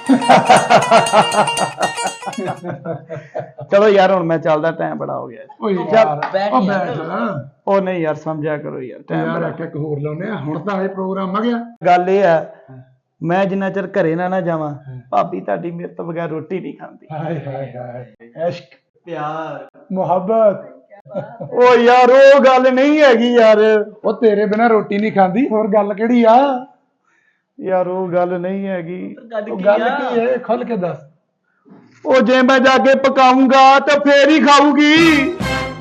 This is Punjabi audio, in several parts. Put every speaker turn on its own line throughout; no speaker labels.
चलो यार हुण मैं चलदा, टाइम बड़ा हो गया।
ਓਏ
ਚੱਲ,
ਯਾਰ
ਬੈਠ
ਉਹ
ਯਾਰ।
ਬੈਠ
ਉਹ ਨਹੀਂ ਯਾਰ ਸਮਝਿਆ ਕਰੋ ਯਾਰ, ਟਾਈਮ
ਯਾਰ
ਬੜਾ।
ਇੱਕ ਹੋਰ ਲਾਉਨੇ ਆ ਹੁਣ ਤਾਂ ਇਹ ਪ੍ਰੋਗਰਾਮ ਆ ਗਿਆ।
ਗੱਲ ਇਹ ਆ, ਮੈਂ ਜਿੰਨਾ ਚਿਰ ਘਰੇ ਨਾ ਜਾਵਾਂ, ਭਾਬੀ ਤੁਹਾਡੀ ਮੇਰੇ ਤੋਂ ਬਗੈਰ ਰੋਟੀ ਨਹੀਂ ਖਾਂਦੀ।
ਹਾਏ ਹਾਏ ਹਾਏ ਇਸ਼ਕ
ਪਿਆਰ
ਮੁਹੱਬਤ
ਉਹ ਯਾਰ ਉਹ ਗੱਲ ਨਹੀਂ ਹੈਗੀ ਯਾਰ,
ਉਹ ਤੇਰੇ ਬਿਨਾ ਰੋਟੀ ਨਹੀਂ ਖਾਂਦੀ, ਹੋਰ ਗੱਲ ਕਿਹੜੀ ਆ?
ਯਾਰ ਉਹ ਗੱਲ ਨਹੀਂ ਹੈਗੀ।
ਉਹ ਗੱਲ ਕੀ ਹੈ ਖੁੱਲ ਕੇ ਦੱਸ।
ਉਹ ਜੇ ਮੈਂ ਜਾ ਕੇ ਪਕਾਉਂਗਾ ਤਾਂ ਫੇਰ ਹੀ ਖਾਊਗੀ।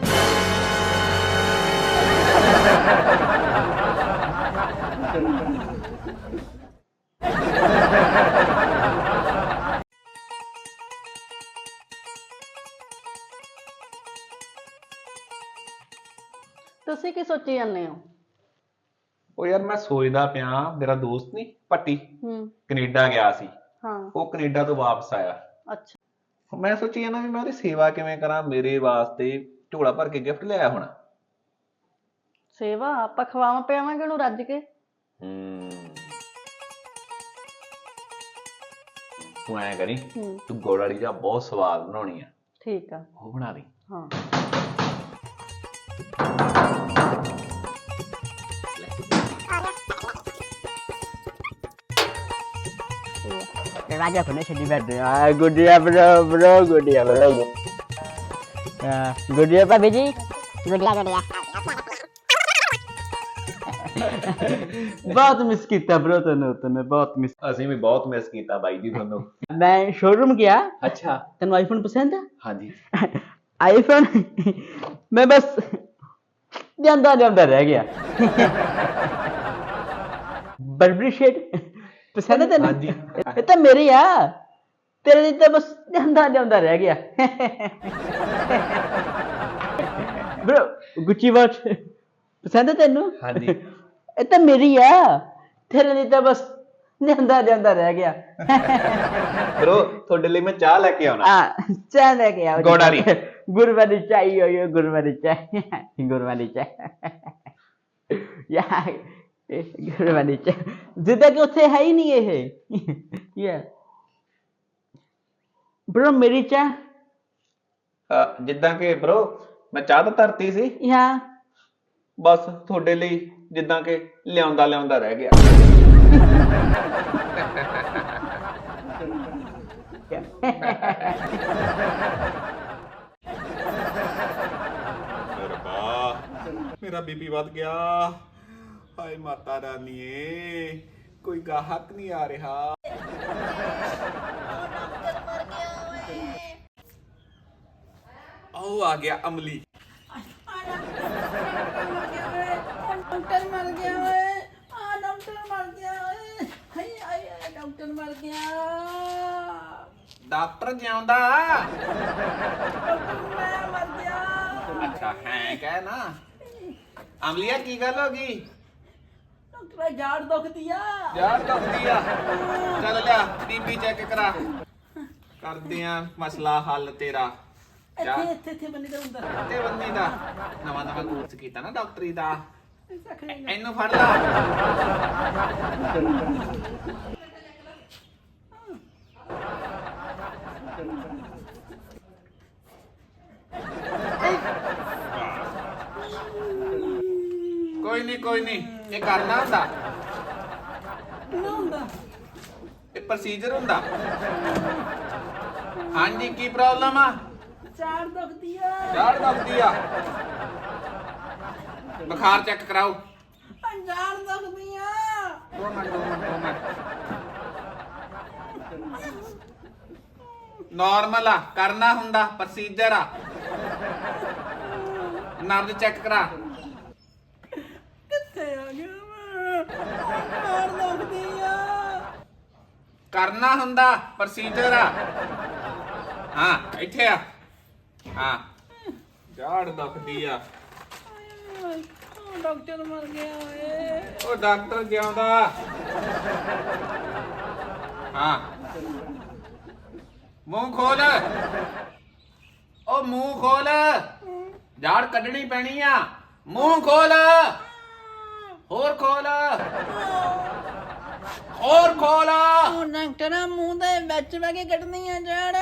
ਤੁਸੀਂ ਕੀ ਸੋਚੀ ਜਾਂਦੇ ਹੋ?
ਉਹ ਯਾਰ ਮੈਂ ਸੋਚਦਾ ਪਿਆ, ਮੇਰਾ ਦੋਸਤ ਨਹੀਂ ਪੱਟੀ
ਹੂੰ।
ਕੈਨੇਡਾ ਗਿਆ ਸੀ,
ਹਾਂ।
ਉਹ ਕੈਨੇਡਾ ਤੋਂ ਵਾਪਸ ਆਇਆ।
ਅੱਛਾ।
ਮੈਂ ਸੋਚੀ ਜਾਂਦਾ ਵੀ ਮੈਂ ਉਹਦੀ ਸੇਵਾ ਕਿਵੇਂ ਕਰਾਂ, ਮੇਰੇ ਵਾਸਤੇ ਝੋਲਾ ਭਰ ਕੇ ਗਿਫਟ ਲਿਆਇਆ ਹੋਣਾ।
ਸੇਵਾ ਆਪਾਂ ਖਵਾਵਾਂ ਪਿਆਵਾਂਗੇ ਉਹਨੂੰ ਰੱਜ ਕੇ।
ਤੂੰ ਐਂ ਕਰੀ,
ਹੂੰ।
ਤੂੰ ਗੁੜ ਵਾਲੀ ਚਾਹ ਬਹੁਤ ਸਵਾਦ ਬਣਾਉਣੀ ਆ,
ਠੀਕ ਆ।
ਉਹ ਬਣਾ ਲਈ।
ਹਾਂ।
Raja connection di bed. Good day, bro. Good day, bro. Good day, Pak Biji. Good day.
ਬਹੁਤ ਮਿਸ ਕੀਤਾ ਬ్రో ਤੈਨੂੰ ਬਹੁਤ ਮਿਸ।
ਅਸੀਂ ਵੀ ਬਹੁਤ ਮਿਸ ਕੀਤਾ ਬਾਈ ਜੀ ਤੁਹਾਨੂੰ।
मैं शोरूम गया।
ਅੱਛਾ।
तेन आईफोन पसंद है?
हाँ जी।
आईफोन मैं बस जानता जानता रह गया। बर्बरी शेड पसंद है तेन?
हाँ जी।
ये तो मेरी है, तेरे लिए तो बस जानता जानता रह गया। ब्रो गुच्ची वॉच पसंद है तेनू?
हाँ जी।
ये तो मेरी है, तेरे लिए तो बस ਜਾਂਦਾ ਜਾਂਦਾ ਰਹਿ ਗਿਆ।
ਬ్రో ਤੁਹਾਡੇ ਲਈ ਮੈਂ ਚਾਹ ਲੈ ਕੇ ਆਉਣਾ।
ਹਾਂ ਚਾਹ ਲੈ ਕੇ ਆਓ।
ਗੁੜ ਵਾਲੀ।
ਗੁੜ ਵਾਲੀ ਚਾਹੀ ਹੋਈ, ਗੁੜ ਵਾਲੀ ਚਾਹ, ਗੁੜ ਵਾਲੀ ਚਾਹ ਯਾਰ, ਗੁੜ ਵਾਲੀ ਚਾਹ ਜਿੱਦਾਂ ਕਿ ਉੱਥੇ ਹੈ ਹੀ ਨਹੀਂ ਇਹ। ਯਾਰ ਬ్రో ਮੇਰੀ ਚਾਹ
ਜਿੱਦਾਂ ਕਿ ਬ్రో ਮੈਂ ਚਾਹ ਤਾਂ ਧਰਤੀ ਸੀ,
ਯਾ
ਬਸ ਤੁਹਾਡੇ ਲਈ ਜਿੱਦਾਂ ਕਿ ਲਿਆਉਂਦਾ ਲਿਆਉਂਦਾ ਰਹਿ ਗਿਆ। ਮੇਰਾ ਬੀਪੀ ਵੱਧ ਗਿਆ। ਹਾਏ ਮਾਤਾ ਰਾਨੀਏ, ਕੋਈ ਗਾਹਕ ਨਹੀਂ ਆ ਰਿਹਾ। ਉਹ ਆ ਗਿਆ ਅਮਲੀ।
डॉक्टर मर गया ओए, डॉक्टर मर गया ओए, हाय हाय डॉक्टर मर गया।
ਡਾਕਟਰ ਜਿਉਂਦਾ।
डॉक्टर मैं मर गया।
ਅੱਛਾ ਹੈ ਕਹਿ ਨਾ। ਅਮਲੀਆ ਕੀ ਗੱਲ ਹੋ ਗਈ?
डॉक्टर झाड़ दुख दिया।
ਯਾਰ ਦੁਖਦੀ ਆ, ਚੱਲ ਲਿਆ ਬੀਪੀ ਚੈੱਕ ਕਰਾ, ਕਰਦੇ ਆ ਮਸਲਾ ਹੱਲ ਤੇਰਾ।
ਇੱਥੇ ਇੱਥੇ ਇੱਥੇ ਬੰਨੀ ਦਾ ਹੁੰਦਾ।
ਤੇ ਬੰਨੀ ਦਾ ਨਵਾਂ ਨਵਾਂ ਕੋਰਸ ਕੀਤਾ ਨਾ ਡਾਕਟਰੀ ਦਾ।
ऐसा करेगा।
ਇਹਨੂੰ ਫੜ ਲਾ। ਕੋਈ ਨਹੀਂ ਇਹ ਕਰਨਾ ਹੁੰਦਾ,
ना ਹੁੰਦਾ।
ਇਹ ਪ੍ਰੋਸੀਜਰ ਹੁੰਦਾ। ਹਾਂਜੀ ਕੀ ਪ੍ਰੋਬਲਮ ਆ?
झाड़ दुख दिया।
ਯਾਰ ਦੁਖਦੀ ਆ, ਬੁਖਾਰ ਚੈੱਕ ਕਰਾਓ।
झाड़ दुख दिया।
2 ਮਿੰਟ। ਨਾਰਮਲ ਆ, ਕਰਨਾ ਹੁੰਦਾ, ਪ੍ਰੋਸੀਜਰ ਆ। ਨਬਜ਼ ਚੈੱਕ ਕਰਾ।
कित्थे आ गया मैं? झाड़ दुख दिया।
ਕਰਨਾ ਹੁੰਦਾ, ਪ੍ਰੋਸੀਜਰ ਆ। ਹਾਂ ਇੱਥੇ ਆ। ਹਾਂ ਝਾੜ ਦੁਖਦੀ ਆ।
डॉक्टर मर गया ओए।
ਉਹ ਡਾਕਟਰ ਜਿਉਂਦਾ। ਹਾਂ ਮੂੰਹ ਖੋਲ, ਉਹ ਮੂੰਹ ਖੋਲ, ਝਾੜ ਕੱਢਣੀ ਪੈਣੀ ਆ। ਮੂੰਹ ਖੋਲ, ਹੋਰ ਖੋਲ। और खोल
ਉਹ ਡਾਕਟਰਾਂ ਮੂੰਹ ਦੇ ਵਿੱਚ ਬਹਿ ਕੇ ਕੱਢਣੀਆਂ ਜੜ